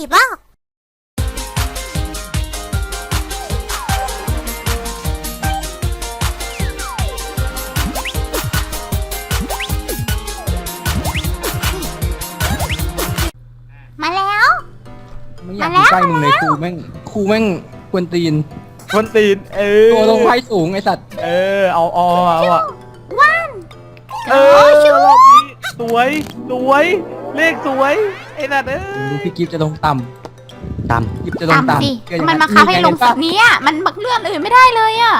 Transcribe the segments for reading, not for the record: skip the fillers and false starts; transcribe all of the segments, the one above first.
บ้ามาแล้วไม่อยากอยู่ใกล้มึงเลยครูแม่งกวนตีนคนตีนตัวลงไฟสูงไอสัตว์เอาอ่ะวันรอบนี้สวยเลขสวยไอ้นั่นดูพี่กิฟจะลงต่ำกิฟจะลงต่ำสิต่ำมันมาคับให้ลงแบบนี้อ่ะมันเลื่อนอื่นไม่ได้เลยอ่ะ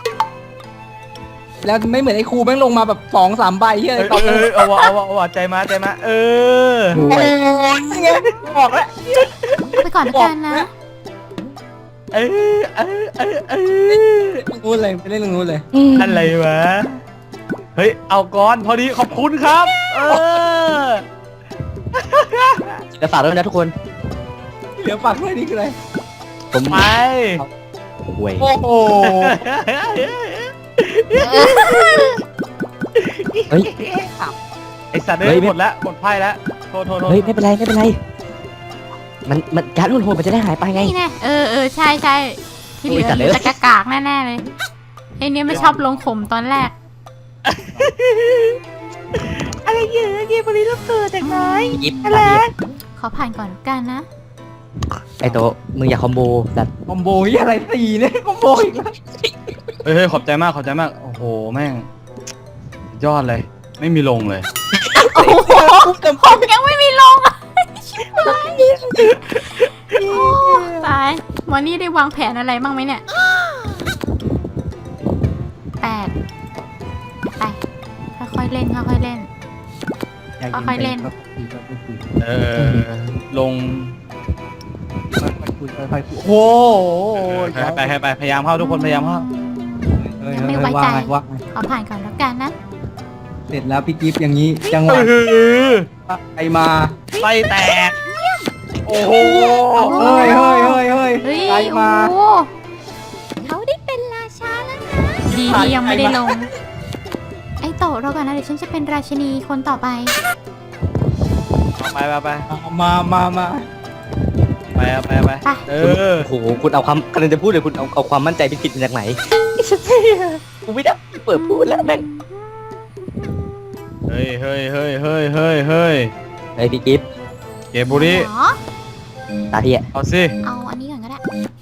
แล้วไม่เหมือนไอ้ครูแม่งลงมาแบบ2-3 ใบเฮ้ยเอาว่ะใจมาโอ้ยไงบอกแล้วไปก่อนแล้วกันนะนู้นเลยไปเล่นตรงนู้นเลยอะไรวะเฮ้ยเอาก่อนพอดีขอบคุณครับจะฝากด้วยนะทุกคนเหลือปักเลยนี่คืออะไรผมไปห่วยโอ้โหเฮ้ยไอสัตว์หมดแล้วหมดไพ่แล้วโทษเฮ้ยไม่เป็นไรมันการ์ดรุ่นโหดมันจะได้หายไปไงนี่แน่ใช่ที่เหลืออยู่แต่กากแน่ๆเลยไอ้เนี่ยไม่ชอบลงขมตอนแรกอะไรเยอะเกมบริลูกเกิดจากน้อยยิบอะไรขอผ่านก่อนกันนะไอโตมึงอย่าคอมโบแบบคอมโบยี่อะไรตีเนี่ยคอมโบอีกแล้วเฮ้ยขอบใจมากโอ้โหแม่งยอดเลยไม่มีลงเลยโอ้โหผมยังไม่มีลงตายมอนี่ได้วางแผนอะไรบ้างไหมเนี่ย8ไปค่อยๆเล่นค่อยๆเล่น ค่อยๆเล่นลงค่อยๆคุยโอ้โหไปพยายามเข้าทุกคนพยายามเข้าไม่ไว้ใจว่าไงขอผ่านก่อนแล้วกันนะเสร็จแล้วพี่กิฟอย่างนี้จังหวะใครมาไส้แตกโอ้โหเฮ้ยเฮ้ยใครมาโอ้เขาได้เป็นราชาแล้วนะดีที่ยังไม่ได้ลงไอโตะเรากันนะเดี๋ยวฉันจะเป็นราชินีคนต่อไปไปไปโอ้โหคุณเอาความกำลังจะพูดเลยคุณเอาความมั่นใจผิดมาจากไหนกูไม่ได้เปิดพูดแล้วแม่งเฮ้ยเฮ้ยพี่กิฟเกมบุรีเหรอตาที่อ่ะเอาสิเอาอันนี้ก่อนก็ได้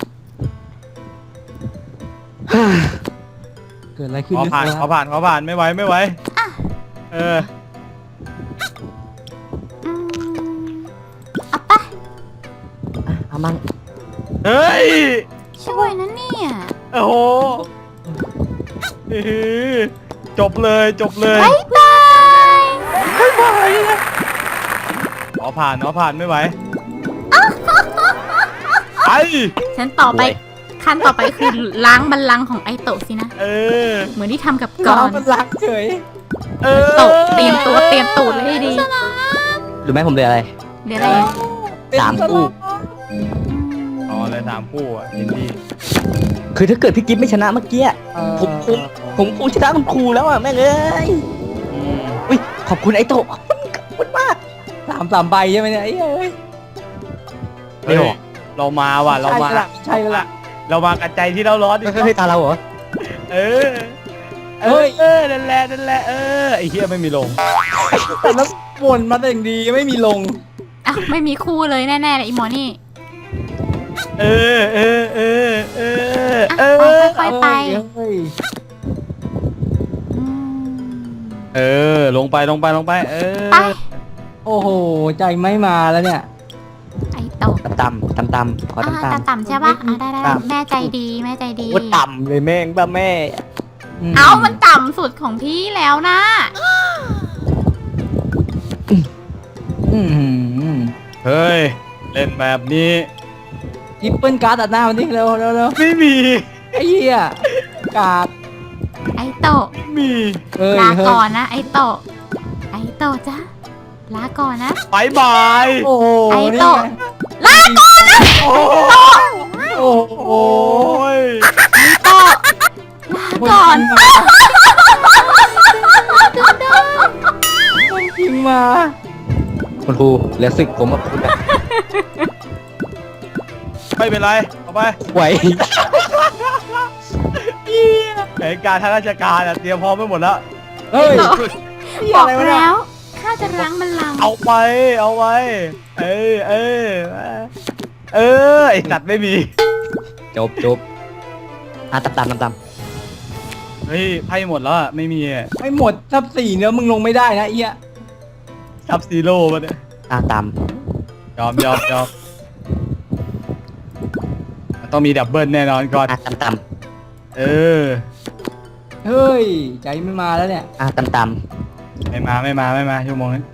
เกิดอะไรขึ้นขอผ่านไม่ไหวอืมเอาไปเอามั่งเฮ้ยช่วยนะเนี่ยโอ้โหจบเลยบ๊ายบายขอผ่านไม่ไหวไอฉันต่อไปขั้นต่อไปคือล้างบัลลังก์ของไอโตะสินะเหมือนที่ทำกับกก่ออน นมันรักเฉยโตะเตรียมตูดเลยให้ดีรู้ไหมผมเลยอะไรเดี๋ยวอะไร 3 คู่อ๋อเลย3 คู่อ่ะยินดีคือถ้าเกิดพี่กิฟไม่ชนะเมื่อกี้ผมคงชนะคุณครูแล้วอ่ะแม่งเอ้ยอุ้ยขอบคุณไอโตะขอบคุณมาก 3 ใบใช่ไหมเนี่ยไอ้เอ้ยไม่หรอกเรามาว่ะเรามาใช่แล้วล่ะเรามากันใจที่เราร้อนดิเฮ้ยตาเราเหรอนั่นแหละไอ้เหี้ยไม่มีลงแต่แล้ววนมาแต่อย่างดีไม่มีลงอ้าวไม่มีคู่เลยแน่ๆเลยอีหมอนี่ค่อยๆไปเฮ้ยลงไปไปโอ้โหใจไม่มาแล้วเนี่ยไอโตะต่ำขอต่ำใช่ปะได้แม่ใจดีโอ้ต่ำเลยแม่งบ้าแม่เอามันต่ำสุดของพี่แล้วนะเฮ้ยเล่นแบบนี้ยิปเปิลการ์ดตัดหน้ามันนี่เร็วไม่มีไอ้เหี้ยการ์ดไอโตะไม่มีลาก่อนนะไอโตะจ้ะลาก่อนนะบายบายโอ้โหไอโตะลาก่อนนะโอ้โหโตะลาก่อนจริงมาคุณครูเหลือศึกผมกับคุณไม่เป็นไรเอาไปไหวแผนการทางราชการเตรียมพร้อมไปหมดแล้วเฮ้ยบอกแล้วข้าจะรั้งบัลลังก์เอาไปเออไอสัตว์ไม่มีจบตามเฮ้ยไพ่หมดแล้วอะไม่มีไม่หมดทับ4เนื้อมึงลงไม่ได้นะเอี้ยซับซีโร่มาเนี่ยตามยอมต้องมีดับเบิลแน่นอนก่อนตามเออเฮ้ยใจไม่มาแล้วเนี่ยตามไม่มาชั่วโมงนี้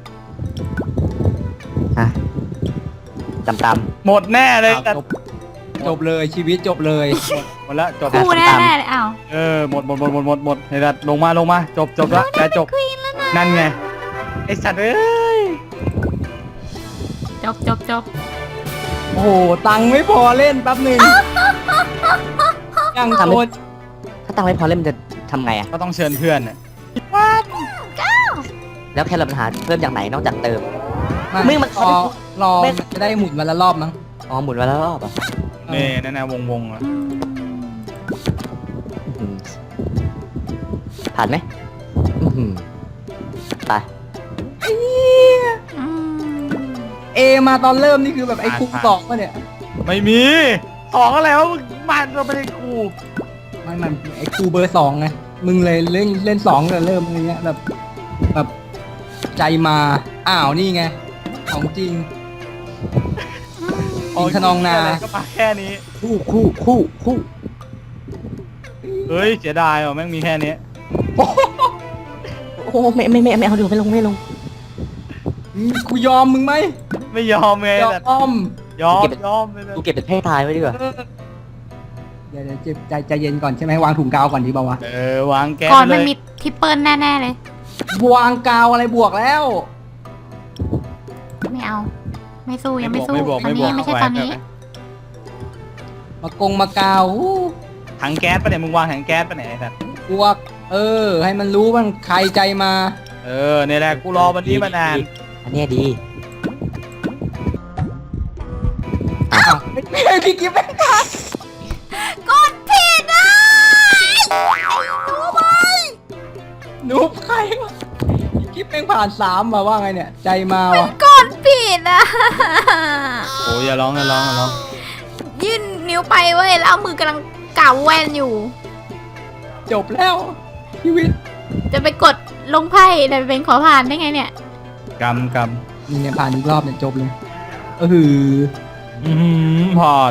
ตามหมดแน่เลยอ้าวจบเลยชีวิตจบเลยหมดแล้วจบคู่แน่ๆเลยอ้าวหมดเฮ้ยลงมาจบแล้วแต่จบนั่นไงไอสัตว์เอ้ยจบโอ้โหตังค์ไม่พอเล่นแป๊บหนึ่งยังโคตรถ้าตังค์ไม่พอเล่นมันจะทำไงอ่ะก็ต้องเชิญเพื่อนน่ะแล้วแค่เราปัญหาเริ่มจากไหนนอกจากเติมไม่มันรอจะได้หมุนวันละรอบมั้งหมุนมาแล้วรอบอ่ะนี่นั่นนะวงอ่ะผ่านไหมไปเอมาตอนเริ่มนี่คือแบบไอ้คูสองป่ะเนี่ยไม่มีสองอะไรวะมึงมันเราไม่ได้กูมันไอ้คูเบอร์2ไงมึงเลยเล่น2แต่เริ่มอะไรเงี้ยแบบใจมาอ้าวนี่ไงของจริงอินทนองนาก็มาแค่นี้คู่เฮ้ยเสียดายว่ะแม่งมีแค่นี้โอ้ไม่เอาดูไม่ลงกูยอมมึงไหมไม่ยอมไงยอแต่มยอมไปเลยกูเก็บเป็นให้ตายไว้ดีกว่าเดี๋ยวใจเย็นก่อนใช่ไหมวางถุงกาวก่อนดีเปล่าวะวางแก๊สก่อนเลมันยมีทิปเปิลแน่ๆเลยวางกาวอะไรบวกแล้วไม่เอา ไม่สู้ยังไม่สู้ไม่บวกตอนนี้ไม่ใช่ตอนนี้มากาวอู้ถังแก๊สปะเนี่ยมึงวางถังแก๊สปะเนี่ยไอ้สัตว์บวกให้มันรู้ว่าใครใจมาเนี่ยแหละกูรอวันนี้มานานอันนี้ดีพี่กิ๊ฟไม่ทันกดผิดอ่ะนูบใครวะพี่กิ๊ฟแม่งผ่าน3มาว่าไงเนี่ย ใจมาวะกดผิดอ่ะโอ้ยอย่าร้องยื่นนิ้วไปเว้ยแล้วเอามือกำลังกาวแวนอยู่จบแล้วชีวิตจะไปกดลงไพ่แต่เป็นขอผ่านได้ไงเนี่ยกำนี่เนี่ยผ่านอีกรอบเนี่ยจบเลยผ่อน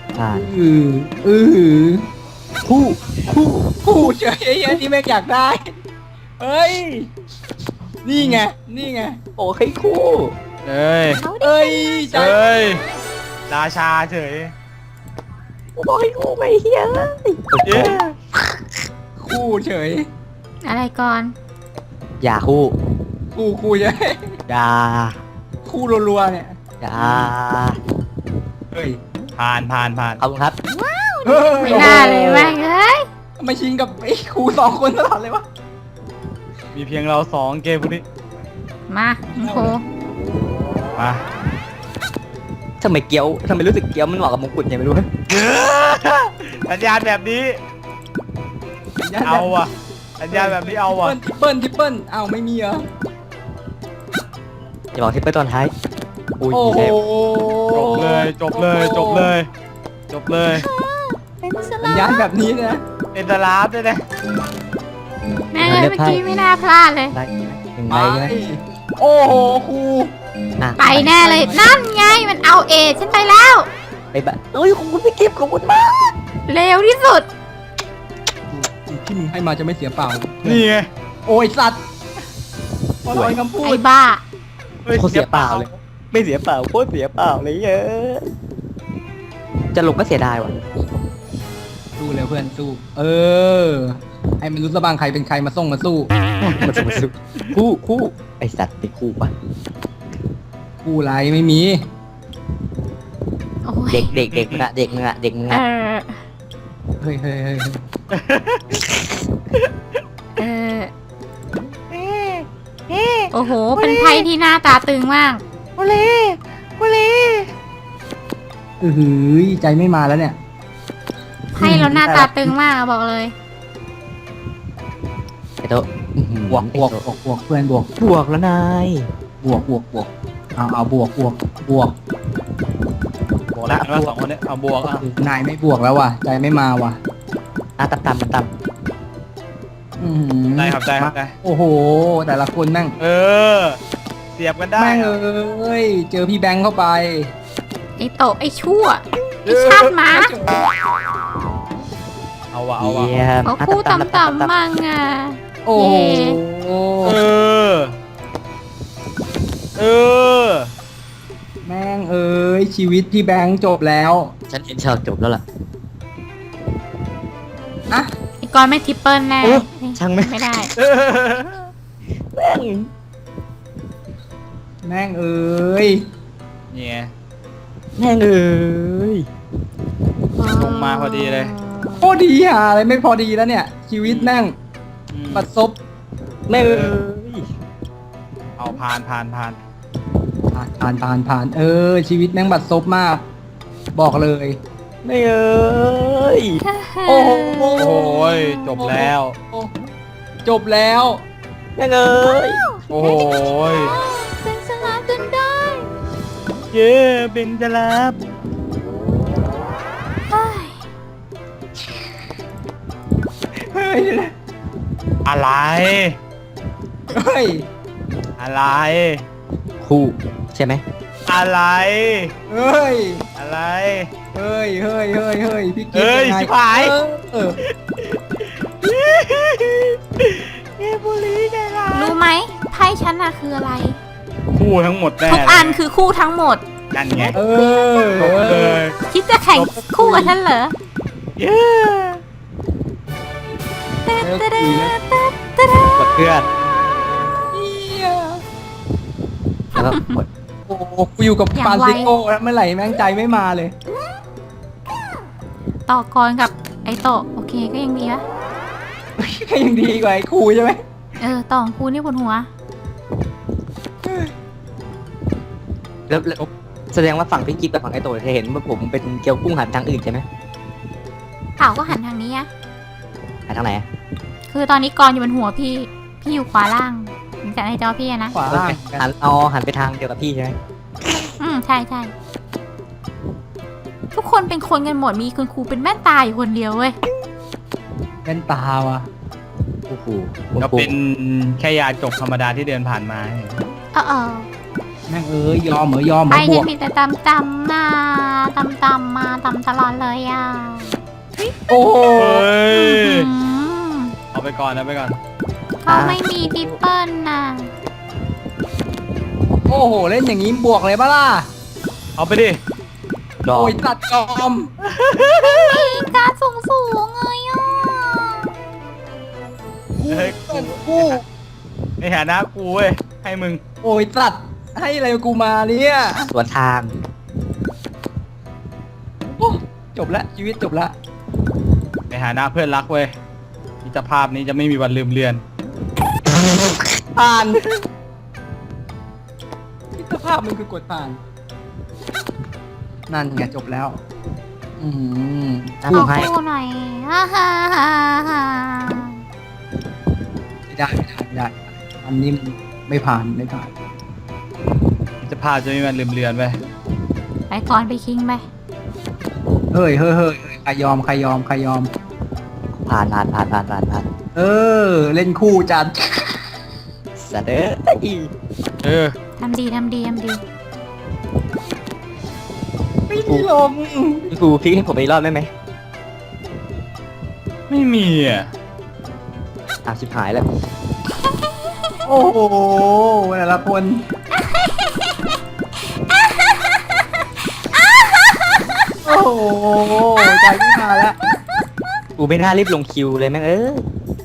คู่เฉยไอ้ที่แม่งอยากได้เฮ้ยนี่ไงโอ้ให้คู่เอ้ยเอ้ยใจราชาเฉยบอกให้คู่ไม่เฮียเลยเย้คู่เฉยอะไรก่อนอย่าคู่คู่ใช่อย่าคู่รัวๆเนี่ยอย่าเฮ้ยผ่านขอบคุณครับไม่น่าเลยแม่งเอ้ยทำไมชิงกับไอ้ครู2คนตลอดเลยวะมีเพียงเรา2เกมพวกนี้มาโคมาทำไมรู้สึกเกี๊ยวมันเหมาะกับมงกุฎยังไม่รู้สัญญาณแบบนี้เอาว่ะสัญญาณแบบนี้เอาว่ะทิปเปิลอ้าวไม่มีเหรออย่าบอกที่ไปตอนท้ายอุ้ยโอ้โหจบเลยเป็นสสัลาญญาณแบบนี้นะเอ็นตลาฟด้วยนะแม่งเลยเมื่อกี้ไม่น่าพลาดเลยได้หนึ่งไปใบใช่ไหมโอ้โหครูไปแน่เลยนั่นไงมันเอาเอฉันไปแล้วไปบ้าเอ้ยขอบคุณพี่กิฟต์ขอบคุณมากเร็วที่สุดที่มึงให้มาจะไม่เสียเปล่านี่ไงโอ้ยสัตว์ปล่อยคำพูไอ้ดบ้าโคตรเสียเปล่าเลย ไม่เสียเปล่าโคตรเสียเปล่าเลยเยอะจะลงก็เสียดายว่ะสู้เร็วเพื่อนสู้ให้มันรู้สะบางใครเป็นใครมาส่งมาสู้มันสุดคู่ไอสัตว์ไปคู่ปะคู่ไรไม่มีโอ้ยเด็กมึงอะเด็กมึงอะเออเฮ้ยเออโอ้โห เป็นไพ่ที่หน้าตาตึงมากกูหือใจไม่มาแล้วเนี่ยให้แล้วหน้าตาตึงมากอะบอกเลยไอ้โต๊ะบวกบวกบวกบวกเพื่อนบวกบวกแล้วนายบวกบวกบวกเอาบวกบวกบวกบวกแล้วว่าสองคนเนี้ยเอาบวกอ่ะนายไม่บวกแล้วว่ะใจไม่มาว่ะต่ำอื้อหือได้ครับได้ครับได้โอ้โห แต่ละคนแม่งเออ เสียบกันได้แม่งเอ้ยเจอพี่แบงค์เข้าไปไอ้โตะไอ้ชั่ว ไอ้ชาติหมาเอาวะๆเอาวะเยี่ยมเขาคู่ต่ำๆมั่งอ่ะโอ้โหเออ เออแม่งเอ้ยชีวิตพี่แบงค์จบแล้วฉันเห็นฉากจบแล้วล่ะอะไอ้กอนไม่ทริปเปิลแน่โอ้ช่างแม่งไม่ได้แม่งแม่งเอ้ยเนี่ยแม่งเอ้ยลงมาพอดีเลยโคตรดีหาอะไรไม่พอดีแล้วเนี่ย ชีวิตแม่งอืมบัดซบแม่งเอ้ยเอาผ่านผ่านชีวิตแม่งบัดซบมาก บอกเลยแม่งเอ้ยโอ้โหโอ้ยจบแล้วจบแล้วแม่งเอ้ยโอ้ยเป็นสลาจนได้เย้เป็นจะรับเฮ้ยเฮ้ยอะไรเฮ้ยอะไรคู่ใช่ไหมอะไรเฮ้ยอะไรเฮ้ยเฮ้ยเฮ้ยเฮ้ยพี่กิ๊เฮ้ยยังไงชิบหายเออเย้บุรีไงล่ะรู้ไหมไพ่ฉันอะคืออะไรคู่ทั้งหมดแน่ทุกอันคือคู่ทั้งหมดนั่นไงเออจบเลยคิดจะแข่งคู่กับฉันเหรอเย้เลิกคุยแล้วกดเพื่อนเหี้ยแล้วก็กดโอ้โหกูอยู่กับอย่างฟรานไวซิโก้แล้วเมื่อไหร่แม่งใจไม่มาเลยต่อกรกับไอโตะโอเคก็ยังดีวะก็ยังดีกว่าไอ้ครูใช่ไหมต่อของกูนี่ปวดหัวแล้วแสดงว่าฝั่งพี่กิ๊บกับฝั่งไอ้โตเธอเห็นว่าผมเป็นเกี๊ยวกุ้งหันทางอื่นใช่ไหมเต่าก็หันทางนี้อะหันทางไหนอะคือตอนนี้กรอยู่บนหัวพี่ พี่อยู่ขวาล่างจากในจอพี่อะนะขวาล่างหันไปทางเดียวกับพี่ใช่ไหมใช่ใช่ทุกคนเป็นคนกันหมดมีคุณครูเป็นแม่นตาอยู่คนเดียวเว้ยเล่นตาว่ะโอ้โหก็เป็นแค่ยาจบธรรมดาที่เดินผ่านมาแม่งเอ้ยยอมเหรอยอมเหรไปอบเนี่วย กมีแต่ตำนะตำมาตำตลอดเลยอ่ะโอ้โหเฮ้ยอืมเอาไปก่อนเอาไปก่อนเขาไม่มีทิปเปิลน่ะโอ้โหเล่นอย่างนี้บวกเลยปะล่ะเอาไปดิดอโอ้กยตัดยอมมีการสูงเลยอ่ะเฮ้ยกูในฐานะกูเว้ย ให้มึงโอ้ยตัดให้อะไรกูมาเนี่ยสวนทางโอ้จบละชีวิตจบละในฐานะเพื่อนรักเว้ยมิตรภาพนี้จะไม่มีวันลืมเลือนผ่านมิตรภาพมันคือกดผ่าน นั่นไงจบแล้ว อืมขอคู่หน่อยฮ่าฮ่าฮ่าฮ่าไม่ได้อันนี้มันไม่ผ่านไม่ผ่านมิตรภาพจะไม่มีวันลืมเลือนเว้ยไปก่อนไปคิงไปเฮ้ยใครยอมผ่านเออ เล่นคู่จัดสัตว์เอ้ยเออทำดีไม่มีลงพี่ครูพลิกให้ผมอีกรอบได้ไหมไม่มีอ่ะชิบหายแล้วโอ้โหแต่ละคนโอ้โหใจไม่มาแล้วกูไม่น่ารีบลงคิวเลยแม่งเอ้ย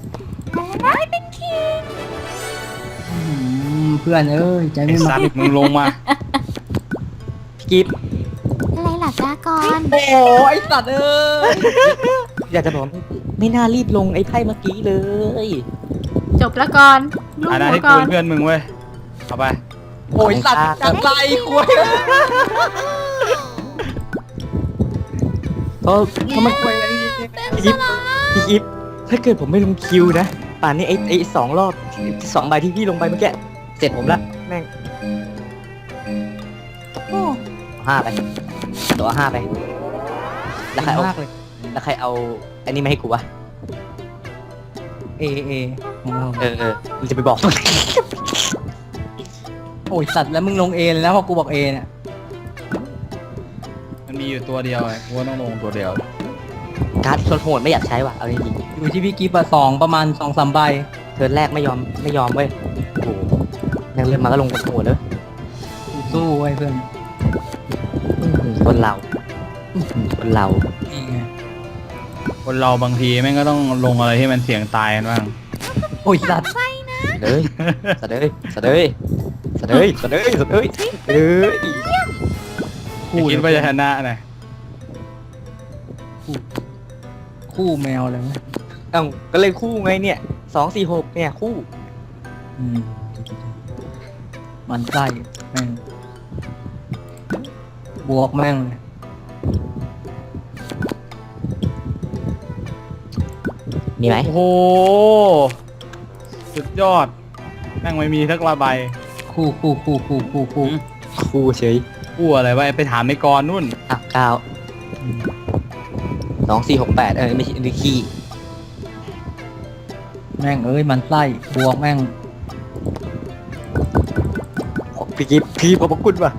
เพื่อนเอ้ยใจไอ้ไม่สัมาตว์มึงลงมาพี่กิ๊บอะไรล่ะจ้ากรโอ้โหไอสัตว์เอ้ยอยากจะบอกว่าไม่น่ารีบลงไอ้ไพ่เมื่อกี้เลยจบแล้วก่อนลูกอันนั้นหัวให้ก่กูอนเป็นเพื่อนมึงเว้ย เอาไปโอ้ยสัตว์จังไรคุยอทำไมคุยอะไรนี่พี่กิฟพี่กิฟถ้าเกิดผมไม่ลงคิวนะป่านนี้ไอ้2 รอบ2 ใบที่พี่ลงไปเมื่อกี้เสร็จผมละแม่งโอ้ 5 ไปตัว5 ไปแล้วใครเอามากเลยแล้วใครเอาอันนี้มาให้กูวะเอของเรามึงจะไปบอกโอ้ยสัตว์แล้วมึงลงเอเลยนะพอกูบอกเอเนี่ยมันมีอยู่ตัวเดียวไงกูว่าต้องลงตัวเดียวการ์ดโหดๆไม่อยากใช้ว่ะเอาจริงอยู่ที่พี่กิฟต์อะ2ประมาณ 2-3 ใบๆเทิร์นแรกไม่ยอมเว้ยโอ้โหแม่งเริ่มมาก็ลงกันโหดเลยสู้ไว้เพื่อนคนเรานี่ไงคนเราบางทีแม่งก็ต้องลงอะไรที่มันเสี่ยงตายกันบ้างโอ้ยสัตว์เลยสะเดยคิดว่าจะชนะนะคู่แมวอะไรวะเอ้าก็เลยคู่ไงเนี่ย2-4-6เนี่ยคู่อืมมันไส้แม่งบวกแม่งเลยมีไหมโอ้โหสุดยอดแม่งไม่มีสักระใบคู่คู่เฉยกู้อะไรวะไปถามในกรนู่นอ่ะ9 2-4-6-8ไม่ใช่นี่ขี้แม่งเอ้ยมันไส้บวกแม่งพี่กิฟพี่ขอบพระคุณว่ะ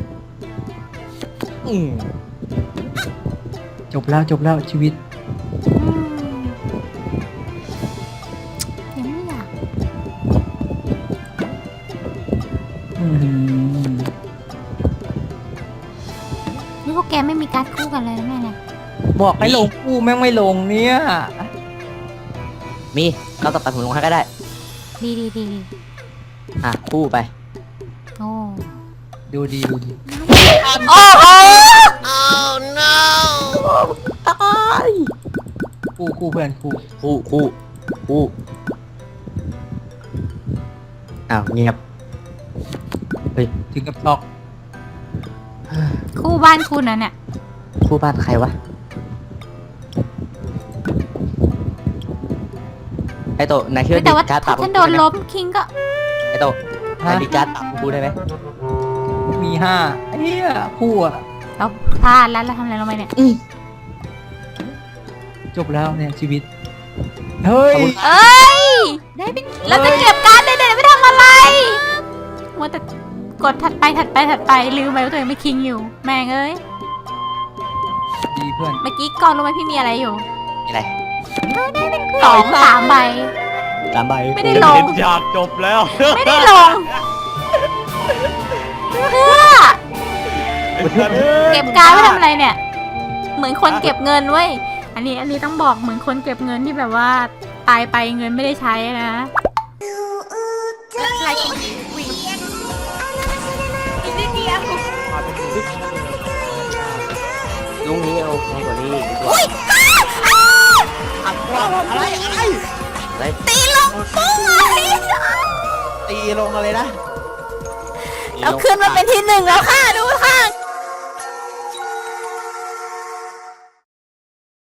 อืมจบแล้วชีวิตยังไม่อยากอื้อหือนี่พวกแกไม่มีการดคู่กันเลยนะแม่เนี่ยบอกให้ลงคู่แม่งไม่ลงเนี่ยมีเราต่อไปผมลงให้ก็ได้ดีอ่ะคู่ไปโอ้ดูดีโอ้โหคู่เพื่อนคู่คู่อ้าวเงียบเฮ้ยถึงกับช็อกคู่บ้านคุณนะเนี่ยคู่บ้านใครวะไอโตนายคิดว่าแต่ว่าการ์ดปรัถ้าบฉันโดนล้มคิงก็ไอโตนายมีการ์ดปรับกูได้ไหมมี5เฮียคู่อะเราพลาดแล้วเราทำอะไรลงไปเนี่ยจบแล้วเนี่ยชีวิตเฮ้ยเอ้ยได้เป็นเราจะเก็บการ์ดได้ๆไม่ทำอะไรมัวแต่กดถัดไปลืมไปว่าตัวเองไม่คิงอยู่ แม่งเอ้ยดีเพื่อนเมื่อกี้ก่อนรู้ไหมพี่มีอะไรอยู่มีอะไร 2-3 ใบ 3 ใบไม่ได้ลงเห็นฉากจบแล้วไม่ได้ลงเพื่อเก็บการ์ดไว้ทำอะไรเนี่ย เหมือนคนเก็บเงินเว้ยอันนี้ต้องบอกเหมือนคนเก็บเงินที่แบบว่าตายไปเงินไม่ได้ใช้นะอีกนิดเดียวลุงนี้โอเคกว่านี้ดีกว่าอุ้ยอะไรตีลงปุ้งตีลงอะไรนะเราขึ้นมาเป็นที่ 1แล้วค่ะดูค่ะ